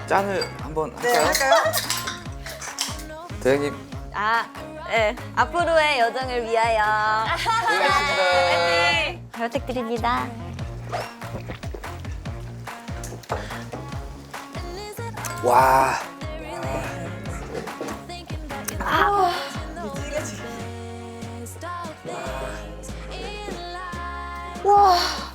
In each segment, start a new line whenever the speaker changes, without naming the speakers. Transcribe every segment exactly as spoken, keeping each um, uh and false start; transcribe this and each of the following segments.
짠을 한번
네,
할까요?
할까요?
대장님
아, 네. 앞으로의 여정을 위하여.
고생하셨습니다.
잘 부탁드립니다.
와.
와.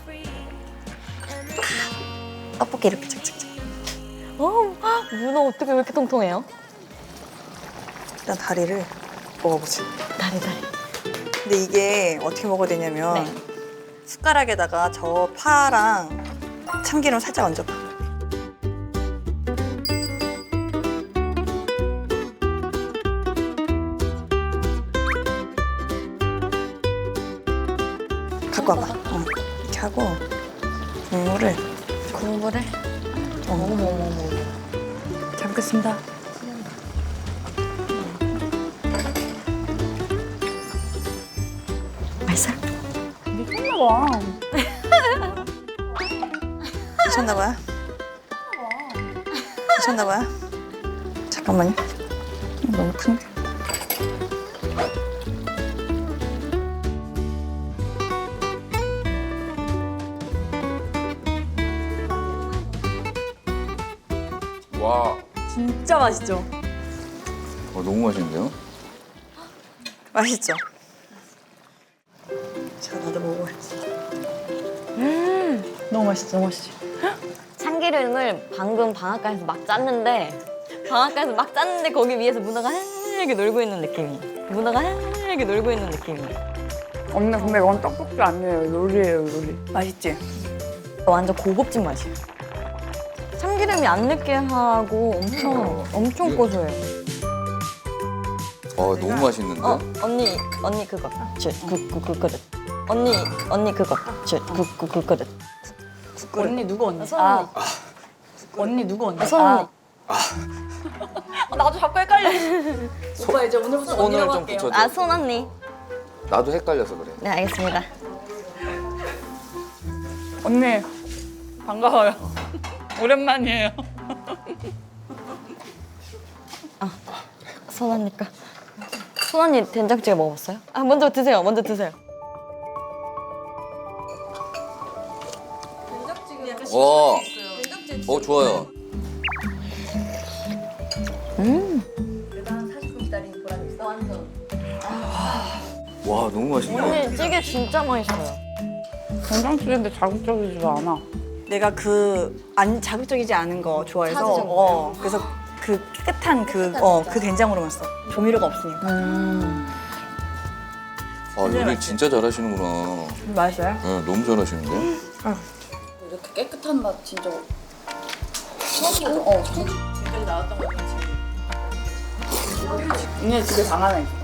떡볶이 이렇게 착착착. 어, 문어 어떻게 왜 이렇게 통통해요?
일단 다리를 먹어보자.
다리 다리.
근데 이게 어떻게 먹어야 되냐면
네.
숟가락에다가 저 파랑 참기름 살짝 얹어봐. 갖고 와봐. 어. 이렇게 하고 국물을
국물을.
어.
어머 어머 어머.
잘 먹겠습니다.
맛있어?
미쳤나봐.
미쳤나봐요? 미쳤나봐요? 잠깐만요. 너무 큰데.
와.
진짜 맛있죠?
어, 너무 맛있는데요?
맛있죠? 자, 나도 먹어야지.
너무 맛있어, 너무 맛있지.
참기름을 방금 방앗간에서 막 짰는데 방앗간에서 막 짰는데 거기 위에서 문어가 헬게 놀고 있는 느낌이. 문어가 헬게 놀고 있는 느낌이.
언니 근데 이건 떡볶이 아니에요, 요리예요, 요리.
맛있지?
완전 고급진 맛이에요. 참기름이 안 느끼하고 엄청 엄청 고소해요.
어, 너무 맛있는데?
어 언니 언니 그거 그그 그 그릇. 언니 언니 그거 그그 그 그릇.
언니 누구 언니?
손 언니.
언니 누구 언니?
손 언니.
아, 나도 자꾸 헷갈려. 오빠 이제 오늘부터
손을
언니라고
좀
할게요.
붙여줘.
아 손 언니.
나도 헷갈려서 그래.
네 알겠습니다.
언니 반가워요. 오랜만이에요.
손 언니까. 손 언니 된장찌개 먹어봤어요? 아 먼저 드세요. 먼저 드세요.
어. 어, 좋아요. 와, 너무 맛있네.
언니 찌개 진짜 맛있어요.
된장찌개인데 자극적이지가 않아.
내가 그 안 자극적이지 않은 거 좋아해서
찾으셨구나.
어 그래서 그 깨끗한 그 어 그 된장으로만 써. 조미료가 없으니까.
아, 요리 진짜 잘하시는구나.
맛있어요?
네, 너무 잘하시는데?
이렇게 깨끗한 맛 진짜 처음이고 어 처음 지금까지 나왔던 거 같은 언니 집에 방 하나 있어.